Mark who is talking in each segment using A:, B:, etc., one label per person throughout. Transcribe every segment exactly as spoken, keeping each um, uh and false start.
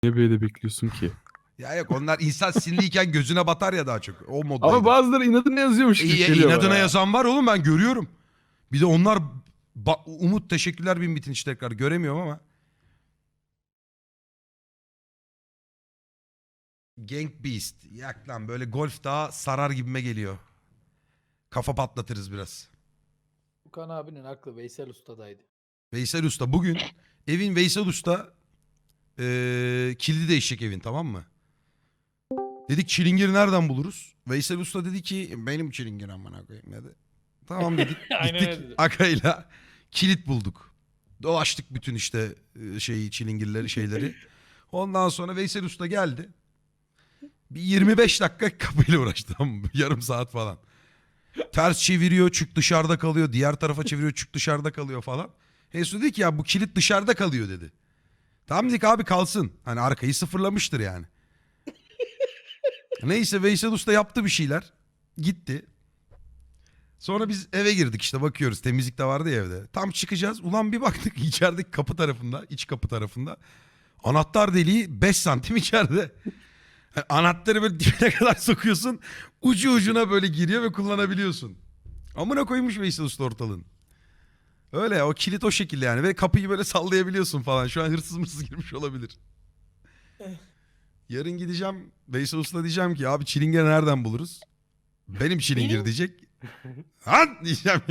A: Niye böyle bekliyorsun ki?
B: Ya yok, onlar insan sinirliyken gözüne batar ya daha çok. O moddaydı.
A: Ama bazıları inadına yazıyormuş gibi
B: İyi,
A: geliyor
B: inadına
A: bana.
B: yazan var oğlum, ben görüyorum. Bir de onlar Ba- Umut teşekkürler bin bitin işte, tekrar göremiyorum ama. Gang Beast. Yak lan, böyle golf daha sarar gibime geliyor. Kafa patlatırız biraz.
C: Okan abinin aklı Veysel Usta'daydı.
B: Veysel Usta bugün evin Veysel Usta eee kilidi değişecek evin, tamam mı? Dedik çilingiri nereden buluruz? Veysel Usta dedi ki benim çilingir amına koyayım dedi. Tamam dedik.
C: Aynen
B: Gittik
C: öyle dedi.
B: Akay'la kilit bulduk. Dolaştık bütün işte e, şeyi, çilingirleri, şeyleri. Ondan sonra Veysel Usta geldi. Bir yirmi beş dakika kapıyla uğraştı, tamam mı? Yarım saat falan. Ters çeviriyor, çük dışarıda kalıyor. Diğer tarafa çeviriyor, çük dışarıda kalıyor falan. Veysel dedi ki ya bu kilit dışarıda kalıyor dedi. Tamam dedik abi, kalsın. Hani arkayı sıfırlamıştır yani. Neyse Veysel Usta yaptı bir şeyler. Gitti. Sonra biz eve girdik işte, bakıyoruz. Temizlik de vardı ya evde. Tam çıkacağız. Ulan bir baktık içerideki kapı tarafında, iç kapı tarafında. Anahtar deliği beş santim içeride. Yani anahtarı böyle dibine kadar sokuyorsun. Ucu ucuna böyle giriyor ve kullanabiliyorsun. Amına koymuş Veysel Usta ortalığın. Öyle, o kilit o şekilde yani. Ve kapıyı böyle sallayabiliyorsun falan. Şu an hırsız mırsız girmiş olabilir. Yarın gideceğim Veysel Usta, diyeceğim ki abi çilingiri nereden buluruz? Benim çilingir diyecek. Han diyeceğim.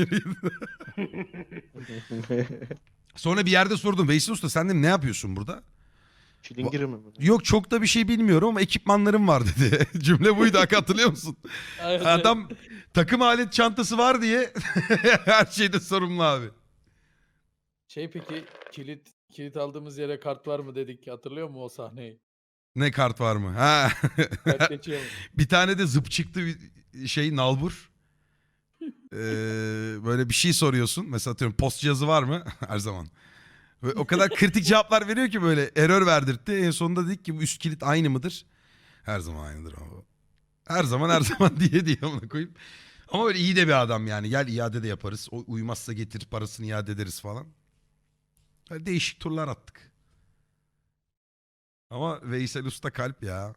B: Sonra bir yerde sordum. Veysel Usta sen de ne yapıyorsun burada?
D: Çilingiri mi?
B: Yok çok da bir şey bilmiyorum ama ekipmanlarım var dedi. Cümle buydu, hatırlıyor musun?
C: Evet,
B: Adam takım alet çantası var diye her şeyde sorumlu abi.
C: Şey peki kilit kilit aldığımız yere kart var mı dedik, hatırlıyor musun o sahneyi?
B: Ne kart var mı? Ha.
C: Kart geçiyor mu?
B: Bir tane de zıp çıktı bir şey, nalbur. Ee, böyle bir şey soruyorsun. Mesela atıyorum post cihazı var mı? Her zaman. Ve o kadar kritik cevaplar veriyor ki böyle error verdirtti. En sonunda dedik ki bu üst kilit aynı mıdır? Her zaman aynıdır ama. Her zaman her zaman diye diye ona koyup. Ama böyle iyi de bir adam yani. Gel iade de yaparız. O uymazsa getir, parasını iade ederiz falan. Böyle değişik turlar attık. Ama Veysel Usta kalp ya.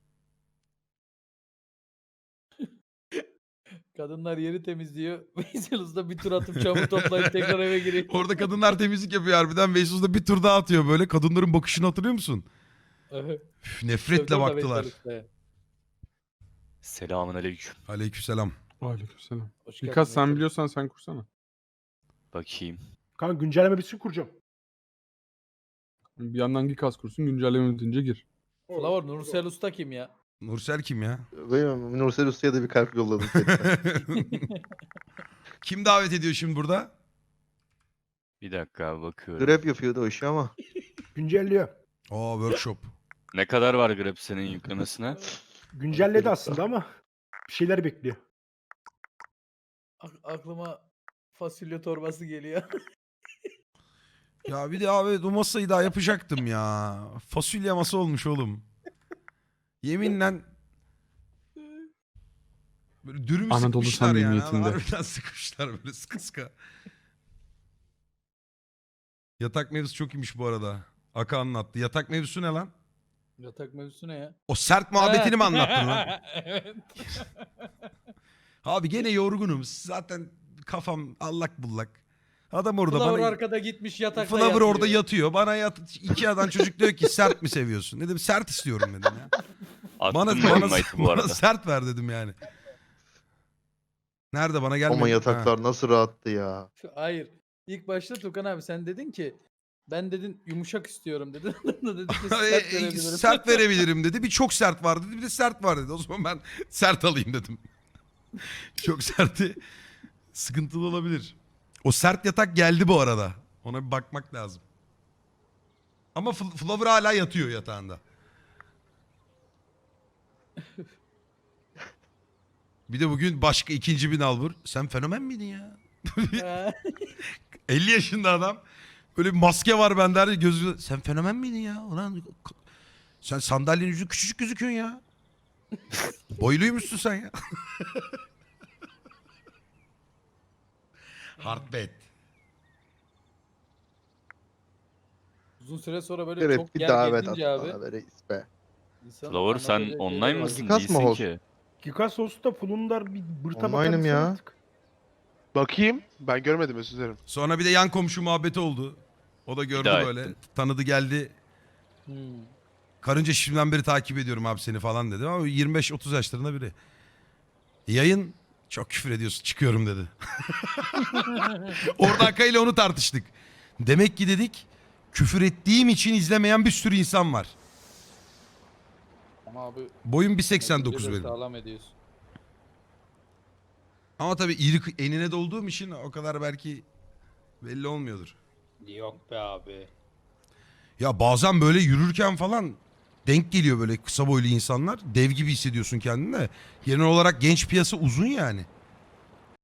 C: Kadınlar yeri temizliyor. Veysel Usta bir tur atıp çamur toplayıp tekrar eve giriyor.
B: Orada kadınlar temizlik yapıyor harbiden. Veysel Usta bir tur daha atıyor böyle. Kadınların bakışını hatırlıyor musun?
C: Evet.
B: Üf, nefretle
C: Sövdüm de
B: baktılar.
C: Veysel Usta'ya.
E: Selamun aleyküm.
B: Aleykümselam.
A: Aleykümselam.
C: Hoş geldin
A: Birkaç sen
C: Veysel.
A: biliyorsan sen kursana.
E: Bakayım.
F: Kanka güncelleme bitsin kuracağım.
A: Bir yandan Gikas kursun, güncelleme bitince gir.
C: Flower Nursel Usta kim ya?
B: Nursel kim ya?
D: Benim Nursel Usta'ya da bir kalp yolladım.
B: Kim davet ediyor şimdi burada?
E: Bir dakika abi bakıyorum.
D: Grab yapıyordu o işi ama.
F: Güncelliyor.
B: Aa, workshop.
E: Ne kadar var Grab senin yüklemesine?
F: Güncelledi aslında ama bir şeyler bekliyor.
C: Ak- aklıma fasulye torbası geliyor.
B: Ya bir de abi o masayı daha yapacaktım ya. Fasulye masa olmuş oğlum. Yeminle böyle dürüm
A: Anadolu
B: sıkmışlar yani.
A: samimiyetinde.
B: Harbiden sıkmışlar böyle sıkı sıkı. Yatak mevzusu çok iyiymiş bu arada. Aka anlattı. Yatak mevzusu ne lan?
C: Yatak mevzusu ne ya?
B: O sert muhabbetini mi anlattın lan?
C: Evet.
B: Abi gene yorgunum. Zaten kafam allak bullak. Adam orada
C: Flower
B: bana...
C: arkada gitmiş yatakta
B: Flower
C: yatıyor.
B: orada yatıyor. Bana yat... iki adam çocuk diyor ki sert mi seviyorsun? Dedim sert istiyorum dedim ya.
E: Attım
B: Bana,
E: ben
B: bana,
E: invite'ı bu
B: bana
E: arada.
B: sert ver dedim yani. Nerede bana gelmedi?
D: Ama
B: Ha.
D: yataklar nasıl rahattı ya.
C: Hayır. İlk başta Tukan abi sen dedin ki ben dedin yumuşak istiyorum dedin. Adam da dedi ki sert
B: E, e,
C: verebilirim.
B: sert verebilirim dedi. Bir çok sert var dedi. Bir de sert var dedi. O zaman ben sert alayım dedim. Çok serti sıkıntılı olabilir. O sert yatak geldi bu arada. Ona bir bakmak lazım. Ama Fl- Flower hala yatıyor yatağında. Bir de bugün başka ikinci bir nalbur. Sen fenomen miydin ya?
C: Ha.
B: elli yaşında adam. Böyle bir maske var bende. her Gözü... Sen fenomen miydin ya? Ulan k- sen sandalyenin yüzü küçücük gözüküyorsun ya. Boyluymuşsun sen ya. Hardbet.
C: Uzun süre sonra böyle
D: Grip
C: çok
D: bir
C: yer
D: davet
C: gezince
D: at
C: abi.
D: bana be reis be.
C: insanın
E: Flower sen
C: anlatacağı
E: online
C: şeyler var.
E: mısın?
D: Gikas mı
E: Değilsin
D: host?
E: ki.
F: Gikas Host'ta Fulundar bir bırta bakar
D: Online'ım
F: mısın
D: ya.
F: artık?
G: Bakayım. Ben görmedim özür dilerim.
B: Sonra bir de yan komşu muhabbeti oldu. O da gördü
E: daha
B: böyle.
E: ettim.
B: Tanıdı geldi.
C: Hmm.
B: Karınca şimdiden beri takip ediyorum abi seni falan dedi. Ama yirmi beş otuz yaşlarında biri. Yayın çok küfür ediyorsun çıkıyorum dedi. Orada Aka ile onu tartıştık. Demek ki dedik küfür ettiğim için izlemeyen bir sürü insan var.
C: Ama abi
B: Boyum bir
C: neticede
B: seksen dokuz benim.
C: sağlam ediyorsun.
B: Ama tabii iri enine dolduğum için o kadar belki belli olmuyordur.
C: Yok be abi.
B: Ya bazen böyle yürürken falan denk geliyor böyle kısa boylu insanlar. Dev gibi hissediyorsun kendini de. Genel olarak genç piyasa uzun yani.